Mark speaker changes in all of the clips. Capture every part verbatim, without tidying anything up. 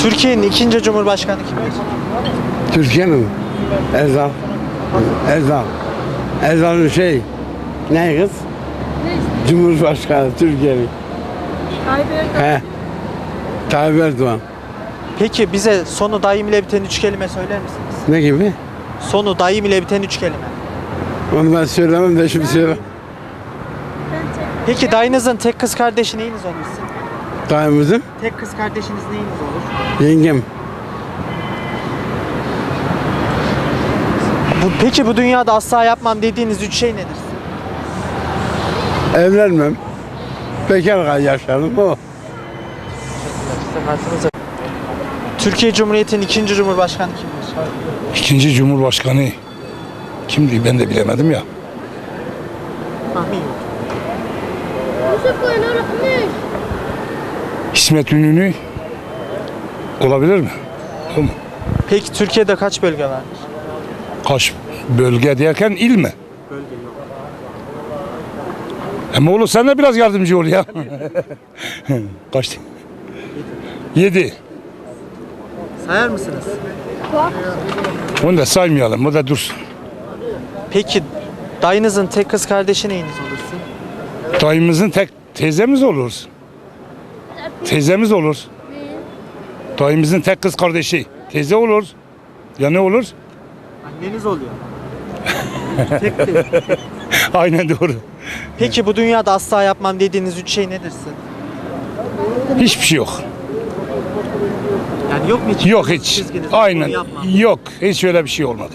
Speaker 1: Türkiye'nin ikinci Cumhurbaşkanı kimdir?
Speaker 2: Türkiye'nin mi? Ezal. Ezal. Ezal'ın şey, ne kız? Cumhurbaşkanı Türkiye'nin.
Speaker 3: Tayyip Erdoğan.
Speaker 2: He. Tayyip Erdoğan.
Speaker 1: Peki bize sonu dayım ile biten üç kelime söyler misiniz?
Speaker 2: Ne gibi?
Speaker 1: Sonu dayım ile biten üç kelime.
Speaker 2: Onu ben söylemem de şimdi söyle.
Speaker 1: Peki dayınızın tek kız kardeşi neyiniz olur sizin?
Speaker 2: Dayımızın
Speaker 1: Tek kız kardeşiniz neyiniz olur?
Speaker 2: yengem.
Speaker 1: Bu, peki bu dünyada asla yapmam dediğiniz üç şey nedir?
Speaker 2: Evlenmem. Bekar yaşarım o.
Speaker 1: Türkiye Cumhuriyeti'nin ikinci Cumhurbaşkanı kimdir?
Speaker 4: İkinci Cumhurbaşkanı kimdi ben de bilemedim ya.
Speaker 1: Tahmin yok.
Speaker 4: İsmet İnönü olabilir mi? O mu?
Speaker 1: Peki Türkiye'de kaç bölge vardır?
Speaker 4: Kaç bölge derken il mi?
Speaker 1: Bölge yok.
Speaker 4: Ama oğlum sen de biraz yardımcı ol ya. Kaçtı? Yedi.
Speaker 1: Sayar mısınız?
Speaker 4: Onu da saymayalım, o da dursun.
Speaker 1: Peki dayınızın tek kız kardeşi neyiniz olursun?
Speaker 4: Dayımızın tek teyzemiz olur. Teyzemiz olur. Dayımızın tek kız kardeşi teyze olur. Ya ne olur?
Speaker 1: Anneniz oluyor. tek değil.
Speaker 4: Aynen doğru.
Speaker 1: Peki bu dünyada asla yapmam dediğiniz üç şey nedir sizin?
Speaker 4: Hiçbir şey yok.
Speaker 1: Yani yok mu hiç?
Speaker 4: Yok hiç.
Speaker 1: Çizginiz,
Speaker 4: Aynen.
Speaker 1: bunu yapmam.
Speaker 4: Yok. Hiç öyle bir şey olmadı.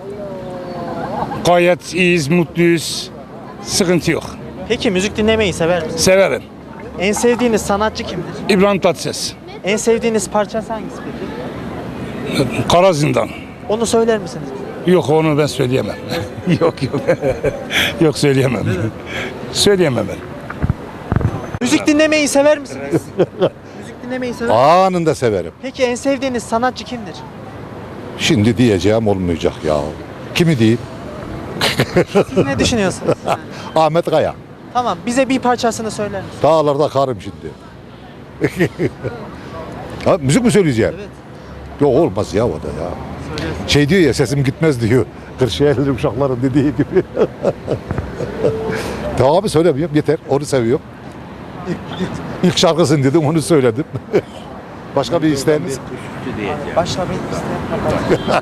Speaker 4: Gayet iyiyiz, mutluyuz. Sıkıntı yok.
Speaker 1: Peki müzik dinlemeyi sever misiniz?
Speaker 4: Severim.
Speaker 1: En sevdiğiniz sanatçı kimdir?
Speaker 4: İbrahim Tatlıses.
Speaker 1: En sevdiğiniz parçası hangisi peki?
Speaker 4: Kara Zindan.
Speaker 1: Onu söyler misiniz?
Speaker 4: Yok onu ben söyleyemem. yok yok. yok söyleyemem. söyleyemem ben.
Speaker 1: Müzik dinlemeyi sever misiniz? Müzik dinlemeyi sever misiniz?
Speaker 5: Anında severim.
Speaker 1: Peki en sevdiğiniz sanatçı kimdir?
Speaker 5: Şimdi diyeceğim olmayacak ya. Kimi diyeyim?
Speaker 1: Siz ne düşünüyorsunuz? Yani?
Speaker 5: Ahmet Kaya.
Speaker 1: Tamam bize bir parçasını söyler misiniz?
Speaker 5: Dağlarda karım şimdi. ha, müzik mi söyleyeceğim?
Speaker 1: Evet.
Speaker 5: Yok olmaz ya o da ya. Şey diyor ya sesim gitmez diyor. Kırşehirli uşakların dediği gibi. Tamam abi söylemiyorum yeter. Onu seviyorum. İlk, ilk şarkısını dedim onu söyledim. Başka bir isteğiniz?
Speaker 1: Başla bir isteyen.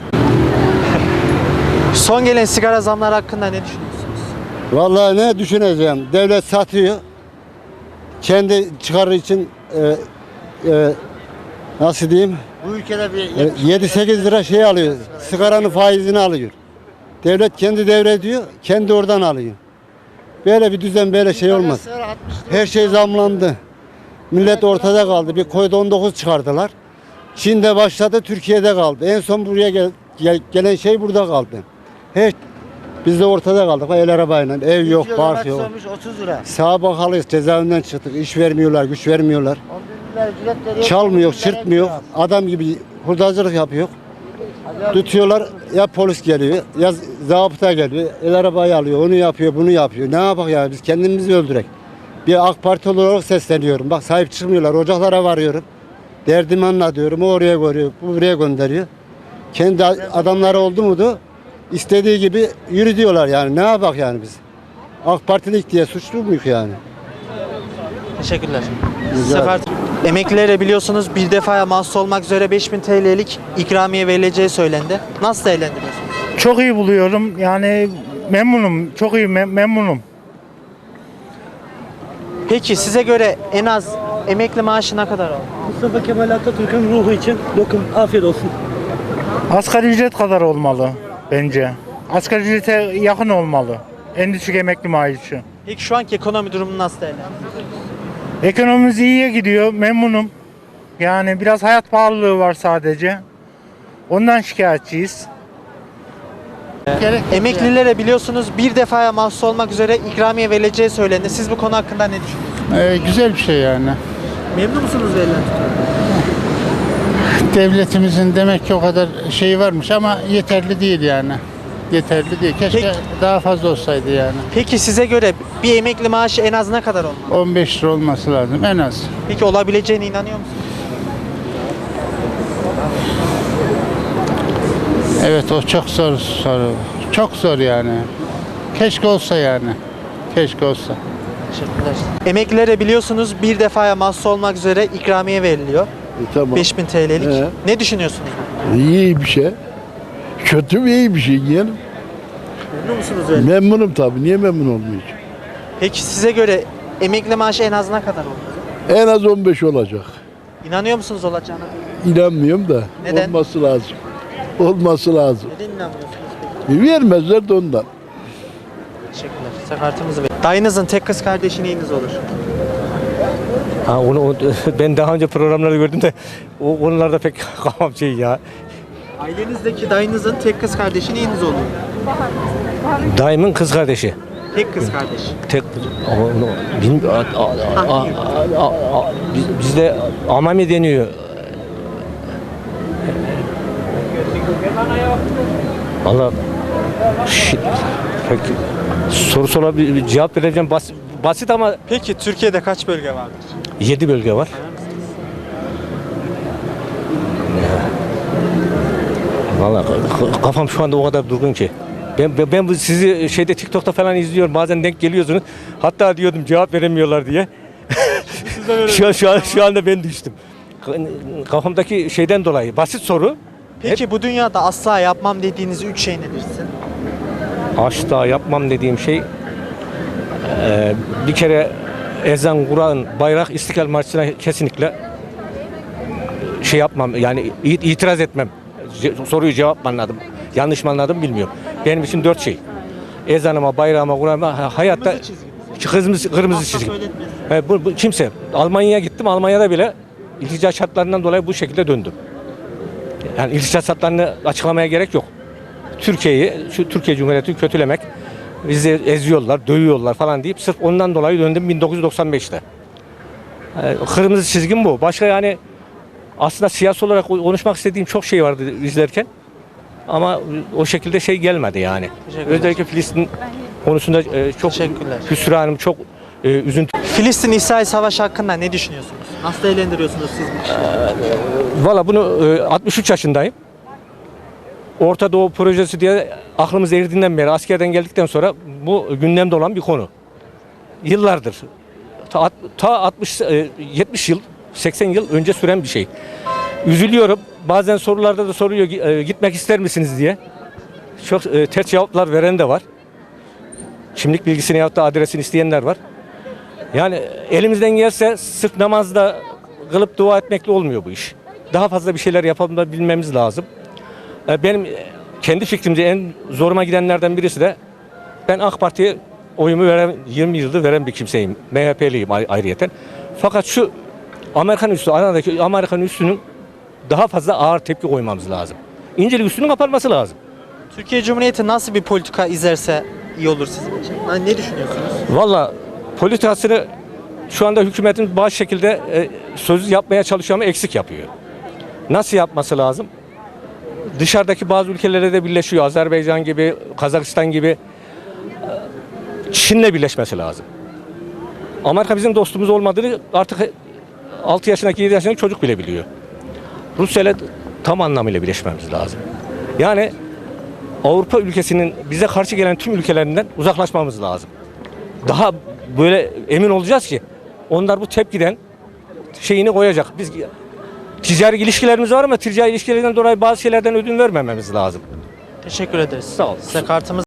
Speaker 1: Son gelen sigara zamları hakkında ne düşünüyorsunuz?
Speaker 2: Vallahi ne düşüneceğim? Devlet satıyor. Kendi çıkarı için e, e, nasıl diyeyim?
Speaker 6: Bu ülkede bir
Speaker 2: E, yedi sekiz lira şey alıyor. Sigaranın faizini alıyor. Devlet kendi devrediyor, kendi oradan alıyor. Böyle bir düzen, böyle şey olmaz. Her şey zamlandı. Millet ortada kaldı. Bir Covid on dokuz çıkardılar. Çin'de başladı, Türkiye'de kaldı. En son buraya gel, gel- gelen şey burada kaldı. Her biz de ortada kaldık. El arabayla, ev yok, park yok.
Speaker 6: otuz lira.
Speaker 2: Sağa bakalıyız, cezaevinden çıktık. İş vermiyorlar, güç vermiyorlar.
Speaker 6: on bin lira ücret veriyor.
Speaker 2: Çalmıyor,
Speaker 6: on bin lira
Speaker 2: çırpmıyor.
Speaker 6: veriyor.
Speaker 2: Adam gibi hurdacılık yapıyor. Tutuyorlar, ya polis geliyor, ya zabıta geliyor. El arabayı alıyor, onu yapıyor, bunu yapıyor. Ne yapak ya, biz kendimizi öldürek. Bir AK Parti olarak sesleniyorum. Bak sahip çıkmıyorlar, ocaklara varıyorum. Derdimi anlatıyorum, o oraya görüyor, bu buraya gönderiyor. Kendi adamları oldu muydu, istediği gibi yürü diyorlar yani. Ne yapak yani biz? AK Partilik diye suçlu muyuz yani?
Speaker 1: Teşekkürler. Sefer emeklilere biliyorsunuz bir defaya mahsus olmak üzere beş bin T L'lik ikramiye verileceği söylendi. Nasıl değerlendiriyorsunuz?
Speaker 7: Çok iyi buluyorum. Yani memnunum. Çok iyi mem- memnunum.
Speaker 1: Peki size göre en az emekli maaşı ne kadar oldu?
Speaker 8: Mustafa Kemal Atatürk'ün ruhu için dokun. Afiyet olsun.
Speaker 7: Asgari ücret kadar olmalı bence. Asgari ücrete yakın olmalı. En düşük emekli maaşı.
Speaker 1: Peki şu anki ekonomi durumunu nasıl değerlendiriyorsunuz?
Speaker 7: Ekonomimiz iyiye gidiyor. Memnunum. Yani biraz hayat pahalılığı var sadece. Ondan şikayetçiyiz.
Speaker 1: Emeklilere biliyorsunuz bir defaya mahsus olmak üzere ikramiye verileceği söylendi. Siz bu konu hakkında ne düşünüyorsunuz?
Speaker 9: Ee, güzel bir şey yani.
Speaker 1: Memnun musunuz verilen
Speaker 9: Devletimizin demek ki o kadar şeyi varmış ama yeterli değil yani. Yeterli değil. Keşke
Speaker 1: Peki.
Speaker 9: daha fazla olsaydı yani.
Speaker 1: Peki size göre bir emekli maaşı en az ne kadar olmalı?
Speaker 9: on beş lira olması lazım en az.
Speaker 1: Peki olabileceğine inanıyor musunuz?
Speaker 9: Evet, o çok zor soru. Çok zor yani. Keşke olsa yani. Keşke olsa.
Speaker 1: Teşekkürler. Emeklilere biliyorsunuz bir defaya mahsus olmak üzere ikramiye veriliyor.
Speaker 10: Tamam.
Speaker 1: beş bin T L'lik.
Speaker 10: He.
Speaker 1: Ne düşünüyorsunuz?
Speaker 10: İyi bir şey. Kötü mü iyi bir şey yeğenim?
Speaker 1: Memnun musunuz öyle?
Speaker 10: Memnunum tabii. Niye memnun olmayacağım?
Speaker 1: Peki size göre emekli maaşı en az ne kadar olmalı?
Speaker 10: En az on beş olacak.
Speaker 1: İnanıyor musunuz olacağına?
Speaker 10: İnanmıyorum da.
Speaker 1: Neden?
Speaker 10: Olması lazım. Olması lazım.
Speaker 1: Neden inanmıyorsunuz peki?
Speaker 10: Vermezler de ondan.
Speaker 1: Teşekkürler. Size kartımızı ver. Dayınızın tek kız kardeşi neyiniz olur?
Speaker 8: Ha, onu, o- ben daha önce programlarda gördüm de o onlarda pek kafam şey ya.
Speaker 1: Ailenizdeki dayınızın tek kız kardeşi neyiniz olur?
Speaker 8: Daimin kız kardeşi.
Speaker 1: Tek kız kardeş.
Speaker 8: Tek onu bilmiyorum. Biz, bizde amami deniyor. Valla şi- pek soru sorabilir bir cevap vereceğim basit, basit ama
Speaker 1: Peki Türkiye'de kaç bölge vardır?
Speaker 8: yedi bölge var. Valla kafam şu anda o kadar durgun ki. Ben, ben, ben bu sizi şeyde TikTok'ta falan izliyorum. Bazen denk geliyorsunuz. Hatta diyordum cevap veremiyorlar diye. şu, an, şu, an, şu anda ben düştüm. Kafamdaki şeyden dolayı. Basit soru.
Speaker 1: Peki bu dünyada asla yapmam dediğiniz üç şey nedir sizin?
Speaker 8: Asla yapmam dediğim şey eee, bir kere ezan, Kur'an, bayrak, İstiklal Marşı'na kesinlikle şey yapmam yani it- itiraz etmem. Ce- soruyu cevap mı anladım? Yanlış mı anladım bilmiyorum. Benim için dört şey. Ezanıma, bayrağıma, Kur'an'ıma ha- hayatta
Speaker 1: Kırmızı çizgi.
Speaker 8: kırmızı, kırmızı
Speaker 1: Asla
Speaker 8: çizgi.
Speaker 1: söyletmesin.
Speaker 8: He, bu, bu kimse. Almanya'ya gittim. Almanya'da bile iltica şartlarından dolayı bu şekilde döndüm. Yani iltica şartlarını açıklamaya gerek yok. Türkiye'yi, şu Türkiye Cumhuriyeti'ni kötülemek, bizi eziyorlar, dövüyorlar falan deyip sırf ondan dolayı döndüm bin dokuz yüz doksan beşte. Ee, kırmızı çizgim bu. Başka yani aslında siyasi olarak konuşmak istediğim çok şey vardı izlerken. Ama o şekilde şey gelmedi yani.
Speaker 1: Teşekkürler.
Speaker 8: Özellikle Filistin konusunda e, çok
Speaker 1: Teşekkürler.
Speaker 8: hüsranım, çok e, üzüntü.
Speaker 1: Filistin-İsrail savaşı hakkında ne düşünüyorsunuz? Nasıl değerlendiriyorsunuz siz bu işi?
Speaker 8: Valla bunu e, altmış üç yaşındayım. Orta Doğu projesi diye aklımız erdiğinden beri askerden geldikten sonra bu gündemde olan bir konu. Yıllardır ta, alt- ta altmış e, yetmiş yıl seksen yıl önce süren bir şey. Üzülüyorum. Bazen sorularda da soruyor e, gitmek ister misiniz diye. Çok e, ters cevaplar veren de var. Kimlik bilgisini yahut da adresini isteyenler var. Yani elimizden gelse sırf namazda kılıp dua etmekle olmuyor bu iş. Daha fazla bir şeyler yapabilmemiz lazım. E, Benim kendi fikrimce en zoruma gidenlerden birisi de ben AK Parti'ye oyumu veren, yirmi yıldır veren bir kimseyim. M H P'liyim ay- ayrıyeten. Fakat şu Amerikan üssü, aradaki Amerikan üssünün daha fazla ağır tepki koymamız lazım. İncelik üssünün kapanması lazım.
Speaker 1: Türkiye Cumhuriyeti nasıl bir politika izlerse iyi olur sizin için? Yani ne düşünüyorsunuz?
Speaker 8: Valla politikasını şu anda hükümetin bazı şekilde e, söz yapmaya çalışıyor ama eksik yapıyor. Nasıl yapması lazım? Dışarıdaki bazı ülkelere de birleşiyor. Azerbaycan gibi, Kazakistan gibi. e, Çin'le birleşmesi lazım. Amerika bizim dostumuz olmadığını artık altı yaşındaki yedi yaşındaki çocuk bile biliyor. Rusya'yla tam anlamıyla birleşmemiz lazım. Yani Avrupa ülkesinin bize karşı gelen tüm ülkelerinden uzaklaşmamız lazım. Daha böyle emin olacağız ki onlar bu tepkiden şeyini koyacak. Biz ticari ilişkilerimiz var ama ticari ilişkilerden dolayı bazı şeylerden ödün vermememiz lazım.
Speaker 1: Teşekkür ederiz.
Speaker 8: Sağ olun.
Speaker 1: Size kartımız